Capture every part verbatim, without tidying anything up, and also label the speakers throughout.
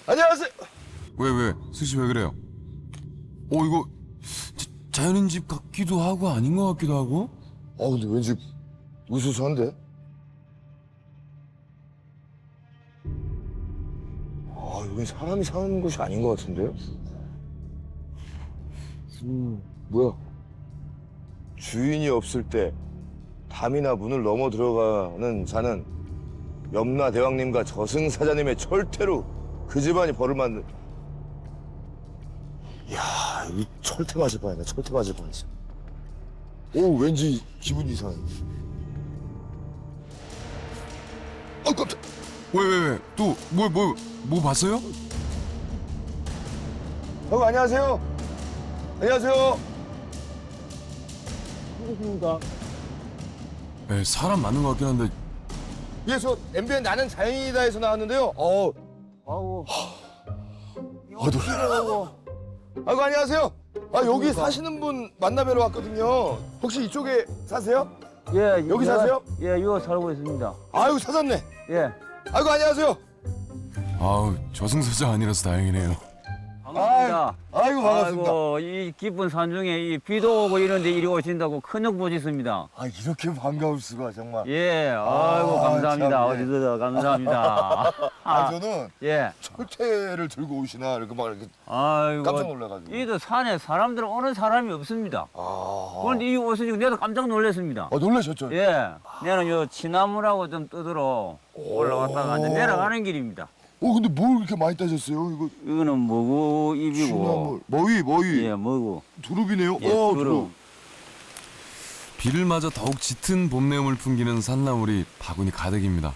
Speaker 1: 안녕하세요.
Speaker 2: 왜 왜? 수씨 왜 그래요? 어 이거 자, 자연인 집 같기도 하고 아닌 것 같기도 하고.
Speaker 1: 아 근데 왠지 으스스한데? 아 여긴 사람이 사는 곳이 아닌 것 같은데요? 음 뭐야? 주인이 없을 때 담이나 문을 넘어 들어가는 자는 염라 대왕님과 저승사자님의 철퇴로 그 집안이 벌을 만든. 이야 이 철퇴 맞을 뻔했네. 철퇴 맞을 뻔했어. 오 왠지 기분이 이상해. 아 깜짝.
Speaker 2: 왜 왜 왜? 또 뭐 뭐 뭐 봤어요?
Speaker 1: 형 안녕하세요. 안녕하세요.
Speaker 3: 누구십니까?
Speaker 2: 네, 사람 맞는 것 같긴 한데.
Speaker 1: 예, 저 엠비엔 나는 자연이다에서 나왔는데요. 어,
Speaker 3: 아우.
Speaker 1: 아, 놀라. 아이고 안녕하세요. 아 여기 사시는 분 만나뵈러 왔거든요. 혹시 이쪽에 사세요?
Speaker 3: 예,
Speaker 1: 여기
Speaker 3: 예,
Speaker 1: 사세요?
Speaker 3: 예, 이거 살고 있습니다.
Speaker 1: 아이고 찾았네.
Speaker 3: 예.
Speaker 1: 아이고 안녕하세요.
Speaker 2: 아우 저승사자 아니라서 다행이네요.
Speaker 3: 반갑습니다.
Speaker 1: 아이고 반갑습니다.
Speaker 3: 아이고, 이 깊은 산중에 이 비도 오고 이런데 이리 오신다고 큰욕 보셨습니다.
Speaker 1: 아 이렇게 반가울 수가 정말.
Speaker 3: 예, 아이고
Speaker 1: 아,
Speaker 3: 감사합니다.
Speaker 1: 참, 예.
Speaker 3: 어디서 감사합니다.
Speaker 1: 아 저는
Speaker 3: 예.
Speaker 1: 철퇴를 들고 오시나 이렇게 막 이렇게
Speaker 3: 아이고.
Speaker 1: 깜짝 놀라가지고.
Speaker 3: 이도 산에 사람들은 오는 사람이 없습니다.
Speaker 1: 아,
Speaker 3: 그런데 이 오시니까 내도 깜짝 놀랐습니다.
Speaker 1: 아 놀라셨죠?
Speaker 3: 예. 내는 요 치나무라고 좀 떠들어 올라갔다가 이제 내려가는 길입니다.
Speaker 1: 어 근데 뭘 이렇게 많이 따셨어요? 이거
Speaker 3: 이거는 먹우 입이고.
Speaker 1: 시나물, 머위, 머위,
Speaker 3: 예, 먹우.
Speaker 1: 두릅이네요.
Speaker 3: 예,
Speaker 1: 어,
Speaker 3: 두릅.
Speaker 2: 비를 맞아 더욱 짙은 봄 내음을 풍기는 산나물이 바구니 가득입니다.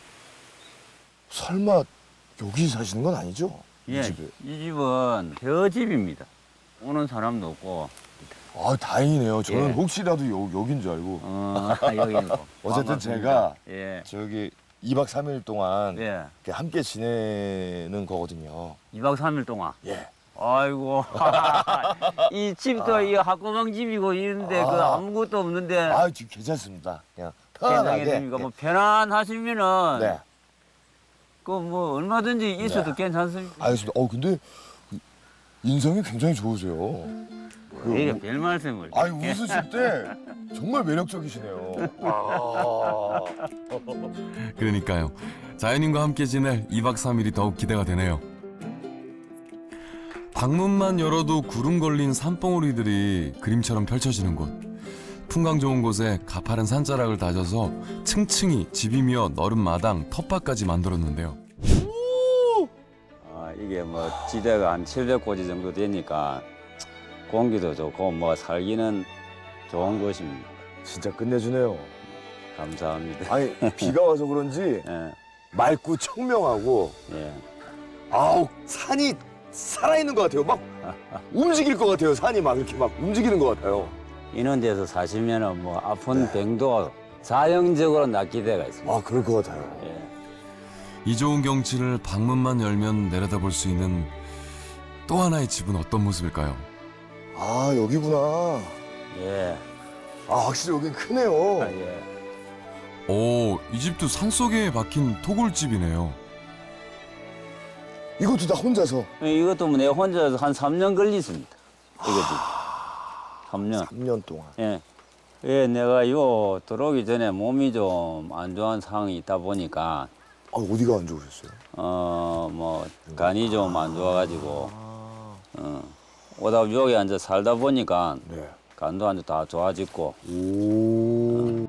Speaker 1: 설마 여기 사시는 건 아니죠?
Speaker 3: 예,
Speaker 1: 이 집에.
Speaker 3: 이 집은 벼집입니다. 오는 사람도 없고.
Speaker 1: 아 다행이네요. 저는
Speaker 3: 예.
Speaker 1: 혹시라도 여, 여긴 줄 알고.
Speaker 3: 어, 여기 있고.
Speaker 1: 어쨌든
Speaker 3: 반갑습니다.
Speaker 1: 제가
Speaker 3: 예,
Speaker 1: 저기 이 박 삼 일 동안
Speaker 3: 예.
Speaker 1: 이렇게 함께 지내는 거거든요.
Speaker 3: 이 박 삼 일 동안.
Speaker 1: 예.
Speaker 3: 아이고. 이 집도 이 학구방 집이고 이런데 그
Speaker 1: 아.
Speaker 3: 아무것도 없는데.
Speaker 1: 아 지금 괜찮습니다. 그냥 편안하게.
Speaker 3: 괜찮겠습니까? 뭐 편안하시면은.
Speaker 1: 네.
Speaker 3: 그 뭐 얼마든지 있어도
Speaker 1: 네.
Speaker 3: 괜찮습니다.
Speaker 1: 알겠습니다. 어 근데 그 인상이 굉장히 좋으세요. 그
Speaker 3: 이게
Speaker 1: 뭐-
Speaker 3: 별 말씀을.
Speaker 1: 아니 웃으실 때 정말 매력적이시네요. 아.
Speaker 2: 그러니까요. 자연인과 함께 지낼 이 박 삼 일이 더욱 기대가 되네요. 방문만 열어도 구름 걸린 산봉우리들이 그림처럼 펼쳐지는 곳. 풍광 좋은 곳에 가파른 산자락을 다져서 층층이 집이며 너른 마당, 텃밭까지 만들었는데요.
Speaker 3: 아, 이게 뭐 지대가 한 칠백 고지 정도 되니까 공기도 좋고 뭐 살기는 좋은 곳입니다.
Speaker 1: 진짜 끝내주네요.
Speaker 3: 감사합니다.
Speaker 1: 아니 비가 와서 그런지
Speaker 3: 예,
Speaker 1: 맑고 청명하고
Speaker 3: 예.
Speaker 1: 아우 산이 살아있는 것 같아요. 막 움직일 것 같아요. 산이 막 이렇게 막 움직이는 것 같아요.
Speaker 3: 이런 데서 사시면은 뭐 아픈 병도 자연적으로 낫게 돼가 있습니다.
Speaker 1: 아 그럴 것 같아요.
Speaker 3: 예.
Speaker 2: 이 좋은 경치를 방문만 열면 내려다볼 수 있는 또 하나의 집은 어떤 모습일까요?
Speaker 1: 아 여기구나.
Speaker 3: 예.
Speaker 1: 아 확실히 여긴 크네요.
Speaker 3: 아, 예.
Speaker 2: 오, 이 집도 산속에 박힌 토굴집이네요.
Speaker 1: 이것도 다 혼자서
Speaker 3: 이것도 뭐 내가 혼자서 한 삼 년 걸렸습니다. 이거지. 삼 년.
Speaker 1: 삼 년 동안.
Speaker 3: 예. 예, 내가 요 들어오기 전에 몸이 좀 안 좋은 상황이 있다 보니까
Speaker 1: 아 어디가 안 좋으셨어요?
Speaker 3: 어 뭐 간이 좀 안 좋아가지고
Speaker 1: 아,
Speaker 3: 어, 오다 여기 앉아 살다 보니까
Speaker 1: 네.
Speaker 3: 간도 안 다 좋아졌고
Speaker 1: 오.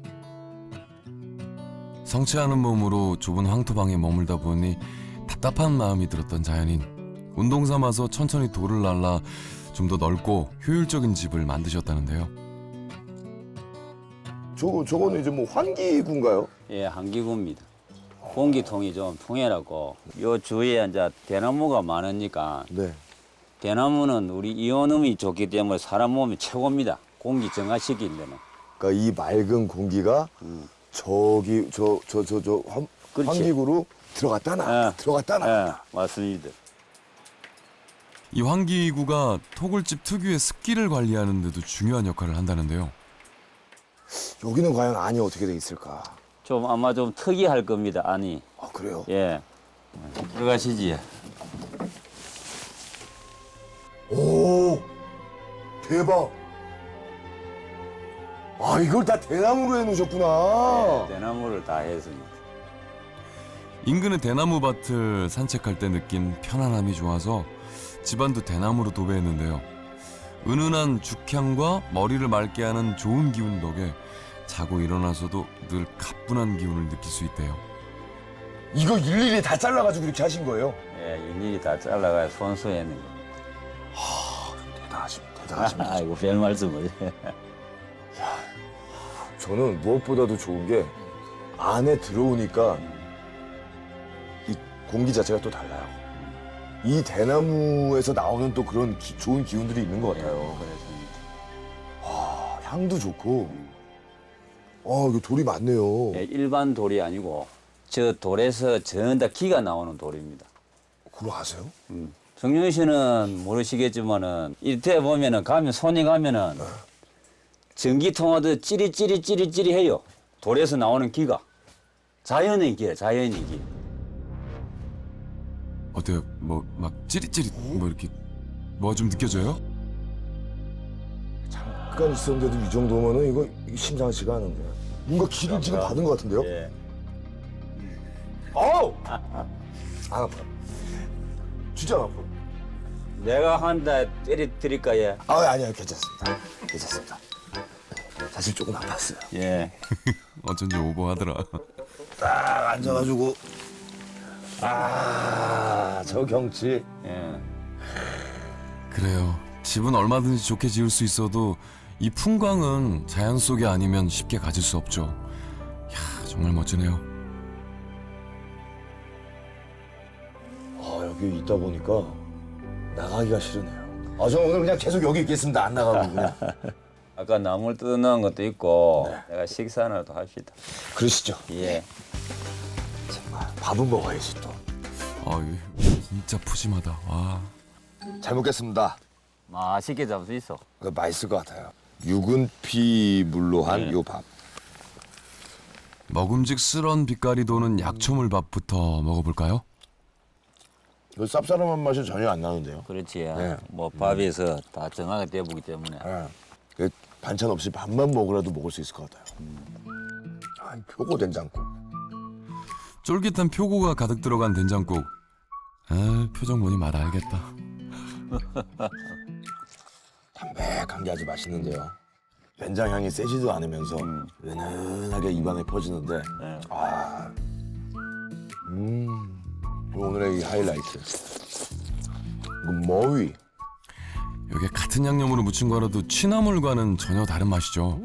Speaker 2: 성취하는 몸으로 좁은 황토방에 머물다 보니 답답한 마음이 들었던 자연인. 운동 삼아서 천천히 돌을 날라 좀 더 넓고 효율적인 집을 만드셨다는데요.
Speaker 1: 저거 저거는 이제 뭐 환기구인가요?
Speaker 3: 예, 한기구입니다. 공기통이 좀 통해라고 요 주위에 이제 대나무가 많으니까
Speaker 1: 네.
Speaker 3: 대나무는 우리 이온음이 좋기 때문에 사람 몸이 최고입니다. 공기 정화시키는 데는.
Speaker 1: 그러니까 이 맑은 공기가
Speaker 3: 음.
Speaker 1: 저기 저 저 저 저
Speaker 3: 그렇지.
Speaker 1: 환기구로 들어갔다 나
Speaker 3: 예.
Speaker 1: 들어갔다 나.
Speaker 3: 예, 맞습니다.
Speaker 2: 이 환기구가 토굴집 특유의 습기를 관리하는 데도 중요한 역할을 한다는데요.
Speaker 1: 여기는 과연 안이 어떻게 돼 있을까?
Speaker 3: 좀 아마 좀 특이할 겁니다, 아니.
Speaker 1: 아 그래요?
Speaker 3: 예. 들어가시지.
Speaker 1: 오, 대박. 아, 이걸 다 대나무로 해놓으셨구나.
Speaker 3: 대나무를 다 했습니다.
Speaker 2: 인근의 대나무 밭을 산책할 때 느낀 편안함이 좋아서 집안도 대나무로 도배했는데요. 은은한 죽향과 머리를 맑게 하는 좋은 기운 덕에 자고 일어나서도 늘 가뿐한 기운을 느낄 수 있대요.
Speaker 1: 이거 일일이 다 잘라가지고 이렇게 하신 거예요?
Speaker 3: 예, 일일이 다 잘라가 손수 했는 겁니다.
Speaker 1: 대단하십니다. 대단하십니다.
Speaker 3: 아이고, 별 말씀을.
Speaker 1: 저는 무엇보다도 좋은 게 안에 들어오니까 이 공기 자체가 또 달라요. 이 대나무에서 나오는 또 그런 기- 좋은 기운들이 있는 것 같아요.
Speaker 3: 그렇습니다.
Speaker 1: 아, 향도 좋고. 아, 이거 돌이 많네요.
Speaker 3: 예, 일반 돌이 아니고 저 돌에서 전 다 기가 나오는 돌입니다.
Speaker 1: 그거 아세요?
Speaker 3: 음. 정윤 씨는 모르시겠지만은 이때 보면은 가면 손이 가면은 전기 통화도 찌릿찌릿찌릿찌릿 해요. 돌에서 나오는 기가 자연의 기예요. 자연의 기.
Speaker 2: 어때요? 뭐 막 찌릿찌릿 뭐 이렇게 뭐가 좀 느껴져요?
Speaker 1: 잠깐 있었는데도 이 정도면은 이거, 이게 심상치가 않은데. 뭔가 기를 지금 받은 것 같은데요?
Speaker 3: 예.
Speaker 1: 아우! 안 아파요. 진짜 안 아파요.
Speaker 3: 내가 한다 때려 드릴까 예.
Speaker 1: 아, 아니요. 괜찮습니다. 괜찮습니다. 사실 조금 아팠어요.
Speaker 3: 예.
Speaker 2: 어쩐지 오버하더라.
Speaker 1: 딱 앉아가지고. 아, 저 경치.
Speaker 3: 예.
Speaker 2: 그래요. 집은 얼마든지 좋게 지을 수 있어도 이 풍광은 자연 속이 아니면 쉽게 가질 수 없죠. 야, 정말 멋지네요.
Speaker 1: 아, 여기 있다 보니까 나가기가 싫으네요. 아, 저 오늘 그냥 계속 여기 있겠습니다. 안 나가고 그냥.
Speaker 3: 아까 나물 뜯어놓은 것도 있고 내가 식사나도 합시다.
Speaker 1: 그러시죠.
Speaker 3: 예.
Speaker 1: 정말 밥은 먹어야지 또.
Speaker 2: 아, 진짜 푸짐하다. 와.
Speaker 1: 잘 먹겠습니다.
Speaker 3: 맛있게 잡을 수 있어.
Speaker 1: 이거 맛있을 것 같아요. 육은 피물로 한
Speaker 3: 네.
Speaker 1: 요 밥.
Speaker 2: 먹음직스런 빛깔이 도는 약초물밥부터 먹어볼까요?
Speaker 1: 이거 쌉싸름한 맛이 전혀 안 나는데요.
Speaker 3: 그렇지.
Speaker 1: 네.
Speaker 3: 뭐 밥에서 다 정하게 되어보기 때문에.
Speaker 1: 예. 그 반찬 없이 밥만 먹으라도 먹을 수 있을 것 같아요. 아, 이 표고 된장국.
Speaker 2: 쫄깃한 표고가 가득 들어간 된장국. 아, 표정 보니 맛 알겠다.
Speaker 1: 담백한 게 아주 맛있는데요. 된장 향이 세지도 않으면서
Speaker 3: 음.
Speaker 1: 은은하게 입안에 퍼지는데,
Speaker 3: 네.
Speaker 1: 아, 음, 오늘의 이 하이라이트. 이거 머위.
Speaker 2: 여기 같은 양념으로 무친 거라도 취나물과는 전혀 다른 맛이죠.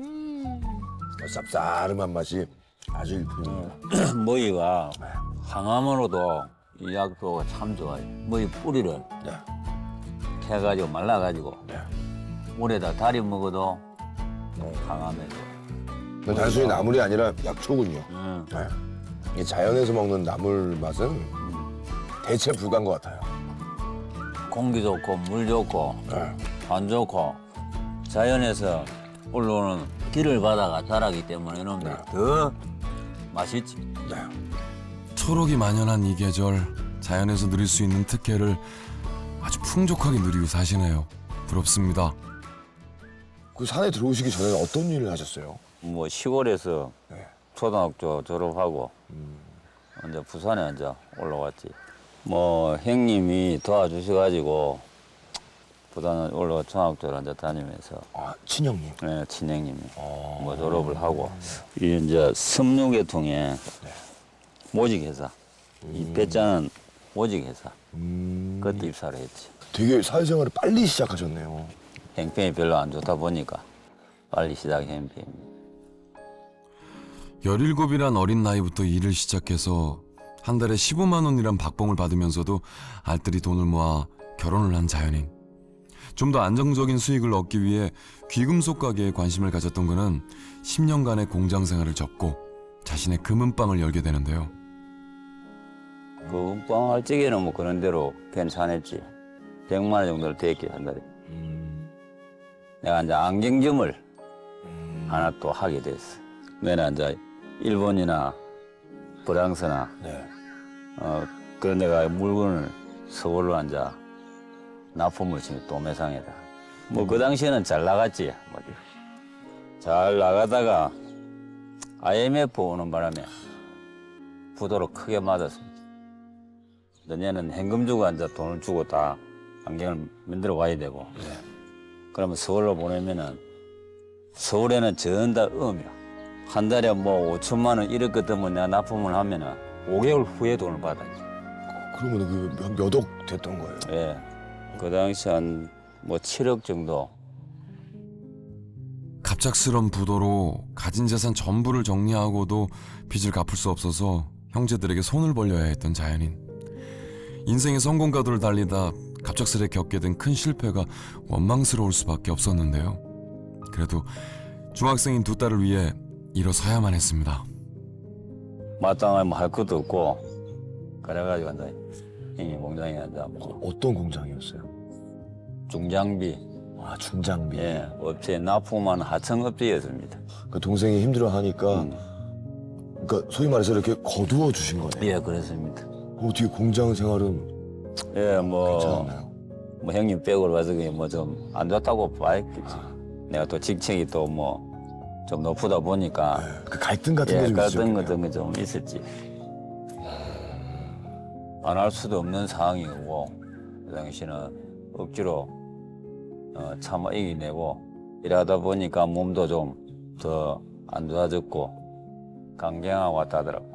Speaker 1: 쌉싸름한 맛이 아주 일품입니다.
Speaker 3: 머위가 항암으로도 이 약효가 참 좋아요. 머위 뿌리를
Speaker 1: 네.
Speaker 3: 캐가지고 말라가지고
Speaker 1: 네.
Speaker 3: 물에다 달여 먹어도 항암에 좋아.
Speaker 1: 이건 단순히 나물이 아니라 약초군요.
Speaker 3: 음.
Speaker 1: 네. 이 자연에서 먹는 나물 맛은 대체 불가한 것 같아요.
Speaker 3: 공기 좋고 물 좋고
Speaker 1: 네.
Speaker 3: 안 좋고 자연에서 올라오는 기를 받아가 자라기 때문에 이놈들이
Speaker 1: 네.
Speaker 3: 더 맛있지.
Speaker 1: 네.
Speaker 2: 초록이 만연한 이 계절, 자연에서 누릴 수 있는 특혜를 아주 풍족하게 누리고 사시네요. 부럽습니다.
Speaker 1: 그 산에 들어오시기 전에 어떤 일을 하셨어요?
Speaker 3: 뭐 시골에서
Speaker 1: 네.
Speaker 3: 초등학교 졸업하고 이제 부산에 이제 올라왔지. 뭐 형님이 도와주셔가지고 부산 올라와 중학교를 이제 다니면서
Speaker 1: 아, 친형님.
Speaker 3: 네, 친형님이
Speaker 1: 어.
Speaker 3: 뭐 졸업을 하고 이 이제 섬유계통의 모직회사 이 배짱은 모직회사
Speaker 1: 음.
Speaker 3: 그때 입사를 했지.
Speaker 1: 되게 사회생활을 빨리 시작하셨네요.
Speaker 3: 형편이 별로 안 좋다 보니까 빨리 시작한 편입니다.
Speaker 2: 열일곱이란 어린 나이부터 일을 시작해서 한 달에 십오만 원이란 박봉을 받으면서도 알뜰히 돈을 모아 결혼을 한 자연인. 좀 더 안정적인 수익을 얻기 위해 귀금속 가게에 관심을 가졌던 그는 십 년간의 공장 생활을 접고 자신의 금은방을 열게 되는데요.
Speaker 3: 그 은빵 할 적에는 뭐 그런 대로 괜찮았지. 백만 원 정도를 됐게 한 달에. 내가 이제 안경점을 하나 또 하게 됐어. 내가 이제 일본이나 프랑스나
Speaker 1: 네.
Speaker 3: 어 그런 데가 물건을 서울로 앉아 납품을 지금 또 매상에다. 뭐 그 당시에는 잘 나갔지. 뭐. 잘 나가다가 아이엠에프 오는 바람에 부도로 크게 맞았습니다. 너네는 현금 주고 앉아 돈을 주고 다 안경을 만들어 와야 되고. 그러면 서울로 보내면은 서울에는 전다 음이야. 한 달에 뭐 오천만 원 이렇게 되면 내가 납품을 하면은 오 개월 후에 돈을 받아야지.
Speaker 1: 그러면 그몇억 됐던 거예요?
Speaker 3: 예. 그 당시 한 뭐 칠억 정도.
Speaker 2: 갑작스런 부도로 가진 재산 전부를 정리하고도 빚을 갚을 수 없어서 형제들에게 손을 벌려야 했던 자연인. 인생의 성공가도를 달리다 갑작스레 겪게 된 큰 실패가 원망스러울 수밖에 없었는데요. 그래도 중학생인 두 딸을 위해 일어서야만 했습니다.
Speaker 3: 마땅하면 할 것도 없고 그래가지고 앉아 형님 공장에 앉아 뭐
Speaker 1: 어떤 공장이었어요?
Speaker 3: 중장비
Speaker 1: 아, 중장비.
Speaker 3: 예 업체 납품하는 하청업체였습니다.
Speaker 1: 그 동생이 힘들어하니까
Speaker 3: 음.
Speaker 1: 그러니까 소위 말해서 이렇게 거두어 주신 거네요.
Speaker 3: 예 그렇습니다.
Speaker 1: 어떻게 공장 생활은
Speaker 3: 예뭐
Speaker 1: 괜찮았나요?
Speaker 3: 뭐 형님 백으로 와서 뭐 좀 안 좋다고 봐야겠지. 내가 또 직책이 또 뭐 좀 높다 보니까
Speaker 1: 그 갈등 같은
Speaker 3: 예,
Speaker 1: 게좀
Speaker 3: 갈등 같은 거 좀 있었지. 안 할 수도 없는 상황이고 그 당시는 억지로 어, 참아 이기내고 이러다 보니까 몸도 좀 더 안 좋아졌고 강경하고 왔다 하더라고.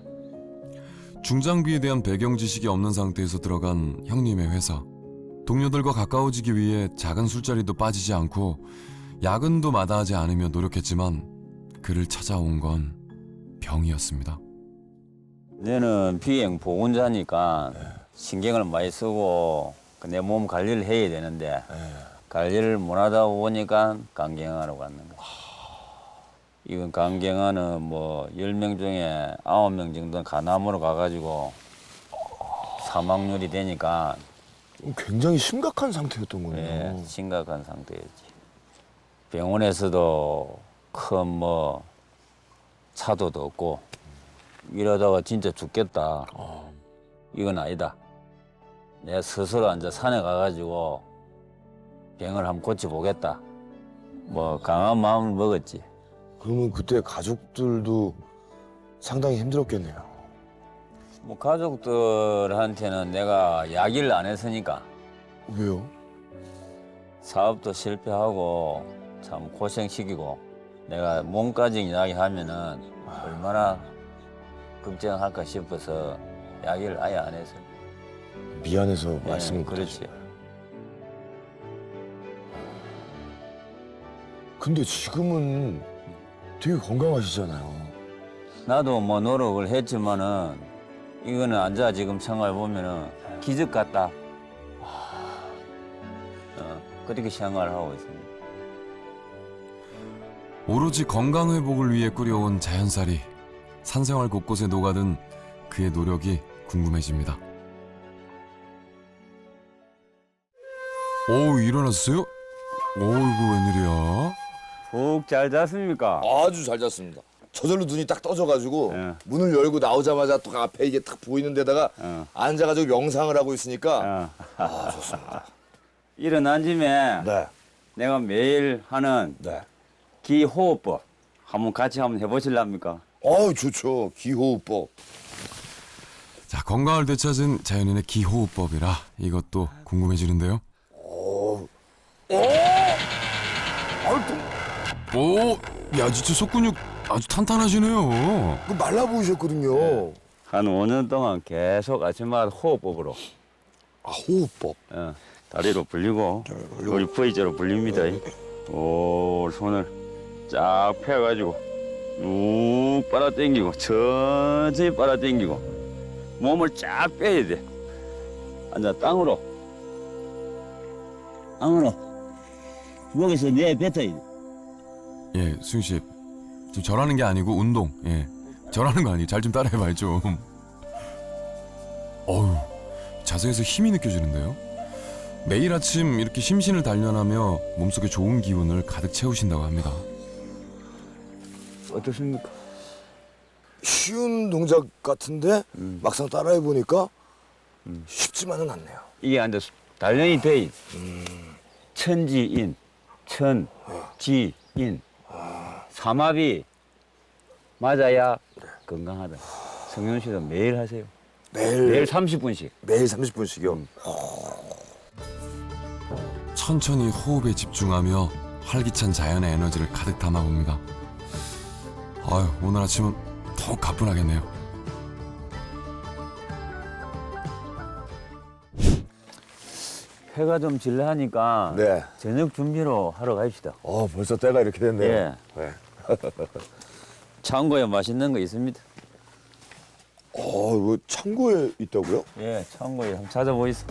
Speaker 2: 중장비에 대한 배경 지식이 없는 상태에서 들어간 형님의 회사. 동료들과 가까워지기 위해 작은 술자리도 빠지지 않고 야근도 마다하지 않으며 노력했지만 그를 찾아온 건 병이었습니다.
Speaker 3: 내는 비행 보건자니까 신경을 많이 쓰고 내 몸 관리를 해야 되는데 관리를 못하다 보니까 강경화로 갔는 거야. 이건 강경화는 뭐 열 명 중에 아홉 명 정도는 간암으로 가가지고 사망률이 되니까
Speaker 1: 굉장히 심각한 상태였던 거네요.
Speaker 3: 예, 심각한 상태였지. 병원에서도 큰 뭐 차도도 없고 이러다가 진짜 죽겠다. 이건 아니다. 내가 스스로 앉아 산에 가가지고 병을 한번 고쳐보겠다. 뭐 강한 마음을 먹었지.
Speaker 1: 그러면 그때 가족들도 상당히 힘들었겠네요.
Speaker 3: 뭐 가족들한테는 내가 야기를 안 했으니까
Speaker 1: 왜요?
Speaker 3: 사업도 실패하고 참 고생시키고 내가 몸까지 이야기하면은 얼마나 걱정할까 싶어서 야기를 아예 안 했어요.
Speaker 1: 미안해서
Speaker 3: 예,
Speaker 1: 말씀을
Speaker 3: 그렇지.
Speaker 1: 못하시는 거예요. 근데 지금은 되게 건강하시잖아요.
Speaker 3: 나도 뭐 노력을 했지만은 이거는 앉아 지금 생각해 보면은 기적 같다. 어, 그렇게 생각을 하고 있습니다.
Speaker 2: 오로지 건강 회복을 위해 꾸려온 자연살이 산생활 곳곳에 녹아든 그의 노력이 궁금해집니다. 오, 일어났어요? 오, 이거 웬일이야?
Speaker 3: 푹 잘 잤습니까?
Speaker 1: 아주 잘 잤습니다. 저절로 눈이 딱 떠져가지고
Speaker 3: 예.
Speaker 1: 문을 열고 나오자마자 또 앞에 이게 딱 보이는 데다가
Speaker 3: 어.
Speaker 1: 앉아가지고 명상을 하고 있으니까
Speaker 3: 어.
Speaker 1: 아 좋습니다.
Speaker 3: 일어난 짐에
Speaker 1: 네,
Speaker 3: 내가 매일 하는
Speaker 1: 네.
Speaker 3: 기호흡법 한번 같이 한번 해보실랍니까?
Speaker 1: 어우 좋죠. 기호흡법.
Speaker 2: 자, 건강을 되찾은 자연인의 기호흡법이라 이것도 궁금해지는데요. 오, 야 진짜 속근육 아주 탄탄하시네요.
Speaker 1: 그 말라 보이셨거든요.
Speaker 3: 한 오 년 동안 계속 아침마다 호흡법으로
Speaker 1: 아 호흡법.
Speaker 3: 어, 다리로 불리고 우리 V자로 불립니다. 오 손을 쫙 펴가지고 쭉 빨아당기고 천천히 빨아당기고 몸을 쫙 빼야 돼. 앉아 땅으로 땅으로 목에서 내 뱉어야 돼.
Speaker 2: 예, 수영 씨 지금 절하는 게 아니고 운동. 예, 절하는 거 아니에요. 잘 좀 따라해봐요 좀. 어우, 자세에서 힘이 느껴지는데요. 매일 아침 이렇게 심신을 단련하며 몸속에 좋은 기운을 가득 채우신다고 합니다.
Speaker 3: 어떻습니까?
Speaker 1: 쉬운 동작 같은데
Speaker 3: 음.
Speaker 1: 막상 따라해 보니까 쉽지만은 않네요.
Speaker 3: 이게 앉아 단련이 돼. 천지인, 천지인. 삼합이 맞아야 건강하다. 성현 씨도 매일 하세요.
Speaker 1: 매일
Speaker 3: 매일 삼십 분씩.
Speaker 1: 매일 삼십 분씩이요.
Speaker 2: 천천히 호흡에 집중하며 활기찬 자연의 에너지를 가득 담아봅니다. 아유, 오늘 아침은 더욱 가뿐하겠네요.
Speaker 3: 해가 좀 질라하니까
Speaker 1: 네.
Speaker 3: 저녁 준비로 하러 갑시다.
Speaker 1: 어, 벌써 때가 이렇게 됐네요.
Speaker 3: 예.
Speaker 1: 네.
Speaker 3: 창고에 맛있는 거 있습니다.
Speaker 1: 어, 이거 창고에 있다고요?
Speaker 3: 예, 창고에 한번 찾아보이소.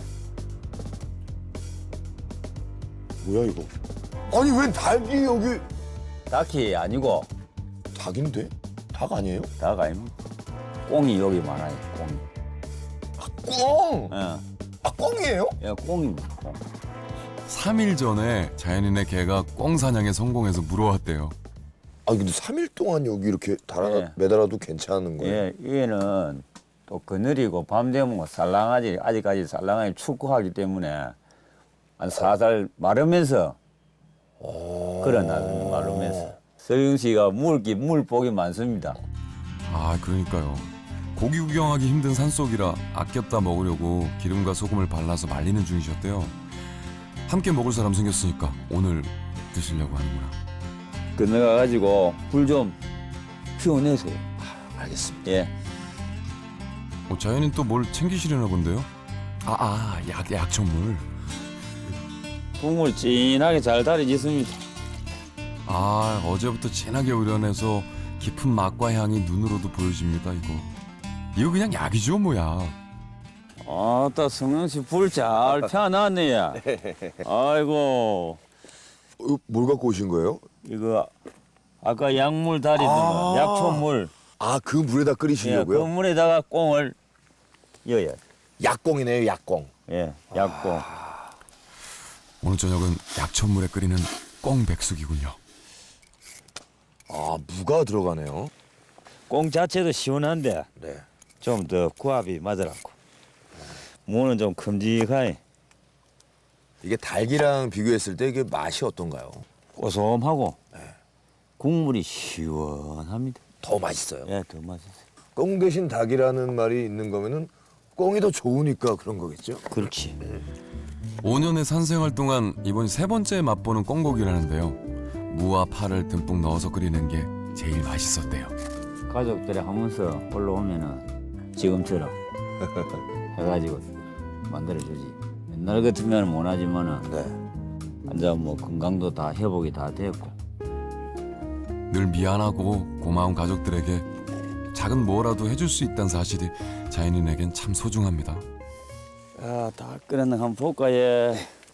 Speaker 1: 뭐야 이거? 아니 왜 닭이 여기
Speaker 3: 닭이 아니고
Speaker 1: 닭인데? 닭 아니에요?
Speaker 3: 닭 아닙니다. 꽁이 여기 많아요. 꽁이.
Speaker 1: 꽁!
Speaker 3: 예,
Speaker 1: 아 꽁이에요?
Speaker 3: 예, 꽁입니다. 꽁.
Speaker 2: 삼 일 전에 자연인의 개가 꽁 사냥에 성공해서 물어왔대요.
Speaker 1: 아 근데 삼 일 동안 여기 이렇게 달아
Speaker 3: 예.
Speaker 1: 매달아도 괜찮은 거예요?
Speaker 3: 예, 얘는 또 그늘이고 밤 되면 뭐 살랑하지, 아직까지 살랑하게 축구하기 때문에 한 사살 마르면서 걸어나는 마르면서. 서영 씨가 물기, 물복이 많습니다.
Speaker 2: 아, 그러니까요. 고기 구경하기 힘든 산속이라 아꼈다 먹으려고 기름과 소금을 발라서 말리는 중이셨대요. 함께 먹을 사람 생겼으니까 오늘 드시려고 하는구나.
Speaker 3: 건너가가지고 불 좀 피워내세요.
Speaker 1: 알겠습니다.
Speaker 3: 예.
Speaker 2: 어, 자연인 또 뭘 챙기시려나 본데요? 아, 아, 약, 약초물.
Speaker 3: 국물 진하게 잘 달여졌습니다.
Speaker 2: 아, 어제부터 진하게 우려내서 깊은 맛과 향이 눈으로도 보여집니다, 이거. 이거 그냥 약이죠, 뭐야.
Speaker 3: 아따, 성영 씨 불 잘 펴놨네, 야. 아이고,
Speaker 1: 어, 이거 뭘 갖고 오신 거예요?
Speaker 3: 이거 아까 약물 달이던
Speaker 1: 아.
Speaker 3: 거, 약초물.
Speaker 1: 아 그 물에다
Speaker 3: 예, 그
Speaker 1: 끓이시려고요?
Speaker 3: 물에다가 꽁을 여야.
Speaker 1: 약꽁이네요, 약꽁.
Speaker 3: 예, 약꽁.
Speaker 2: 오늘 저녁은 약초물에 끓이는 꽁백숙이군요.
Speaker 1: 아 무가 들어가네요.
Speaker 3: 꽁 자체도 시원한데
Speaker 1: 네.
Speaker 3: 좀 더 구합이 맞으라고. 무는 좀 큼직하니
Speaker 1: 이게 닭이랑 비교했을 때 이게 맛이 어떤가요?
Speaker 3: 고소하고 국물이 시원합니다.
Speaker 1: 더 맛있어요.
Speaker 3: 예, 더 맛있어요.
Speaker 1: 꽁 대신 닭이라는 말이 있는 거면은 꽁이 더 좋으니까 그런 거겠죠?
Speaker 3: 그렇지.
Speaker 2: 오 년의 산생활 동안 이번이 세 번째 맛보는 꽁고기라는데요. 무와 파를 듬뿍 넣어서 끓이는 게 제일 맛있었대요.
Speaker 3: 가족들이 하면서 올라오면은 지금처럼 해가지고 만들어주지. 옛날 같으면 못하지만은
Speaker 1: 네.
Speaker 3: 이제 뭐 건강도 다 회복이 다 됐고.
Speaker 2: 늘 미안하고 고마운 가족들에게 작은 뭐라도 해줄 수 있다는 사실이 자연인에겐 참 소중합니다.
Speaker 3: 야, 다 끓였나 한번 볼까 예.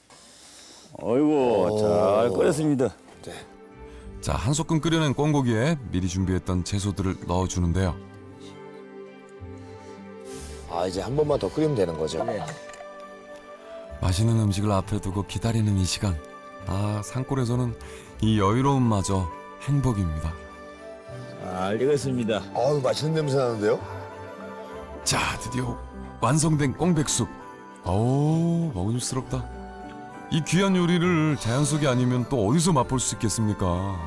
Speaker 3: 어이구, 잘 끓였습니다.
Speaker 2: 자, 한 소끔 끓여낸 꽁고기에 미리 준비했던 채소들을 넣어주는데요.
Speaker 1: 아 이제 한 번만 더 끓이면 되는 거죠?
Speaker 3: 네.
Speaker 2: 맛있는 음식을 앞에 두고 기다리는 이 시간. 아, 산골에서는 이 여유로움마저 행복입니다.
Speaker 3: 잘 익었습니다.
Speaker 1: 아유 맛있는 냄새 나는데요?
Speaker 2: 자, 드디어 완성된 꽁백숙. 어우, 먹음직스럽다. 이 귀한 요리를 자연 속이 아니면 또 어디서 맛볼 수 있겠습니까?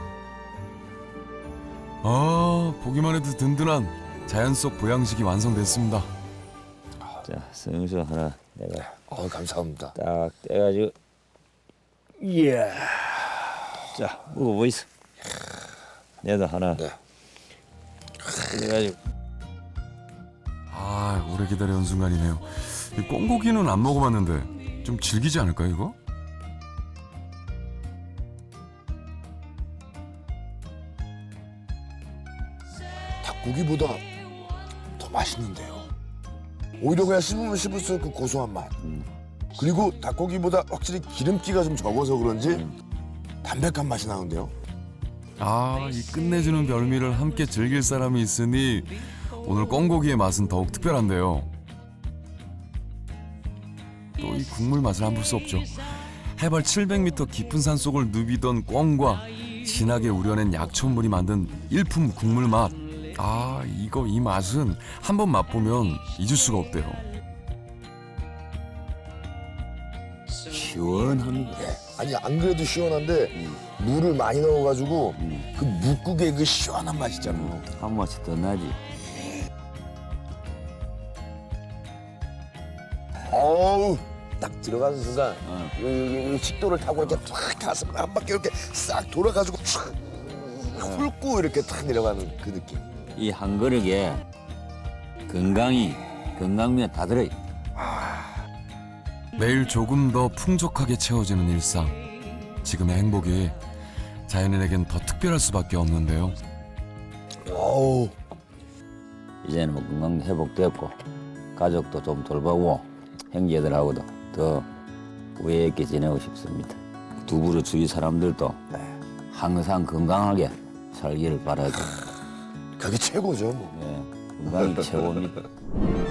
Speaker 2: 아, 보기만 해도 든든한 자연 속 보양식이 완성됐습니다.
Speaker 3: 자, 성수 하나 내가
Speaker 1: 아 감사합니다.
Speaker 3: 딱 떼가지고 이야. 자, 먹어보이소. 내도 하나
Speaker 1: 네.
Speaker 3: 그래가지고
Speaker 2: 아, 오래 기다려온 순간이네요. 이 꽁고기는 안 먹어봤는데 좀 질기지 않을까요, 이거?
Speaker 1: 닭고기보다 더 맛있는데요. 오히려 그냥 씹으면 씹을수록 그 고소한 맛. 그리고 닭고기보다 확실히 기름기가 좀 적어서 그런지 담백한 맛이 나는데요.
Speaker 2: 아, 이 끝내주는 별미를 함께 즐길 사람이 있으니 오늘 꽁고기의 맛은 더욱 특별한데요. 또 이 국물 맛을 안 볼 수 없죠. 해발 칠백 미터 깊은 산속을 누비던 꽁과 진하게 우려낸 약초물이 만든 일품 국물 맛. 아, 이거 이 맛은 한번 맛보면 잊을 수가 없대요.
Speaker 3: 시원합니다.
Speaker 1: 아니 안 그래도 시원한데 물을 많이 넣어가지고 그 묵국의 그 시원한 맛 있잖아.
Speaker 3: 한 맛이 더 나지.
Speaker 1: 어우 딱 들어가는 순간
Speaker 3: 어.
Speaker 1: 이, 이, 이 식도를 타고 이렇게 쫙 가서 한 바퀴 이렇게 싹 돌아가지고 쫙 훑고 이렇게 탁 내려가는 그 느낌.
Speaker 3: 이 한 그릇에 건강이 건강면 다 들어있.
Speaker 2: 매일 조금 더 풍족하게 채워지는 일상. 지금의 행복이 자연인에겐 더 특별할 수밖에 없는데요.
Speaker 1: 어우
Speaker 3: 이제는 뭐 건강 회복됐고 가족도 좀 돌보고 형제들하고도 더 우애 있게 지내고 싶습니다. 두부로 주위 사람들도 항상 건강하게 살기를 바라죠.
Speaker 1: 그게 최고죠 뭐.
Speaker 3: 네, 건강이 최고입니다.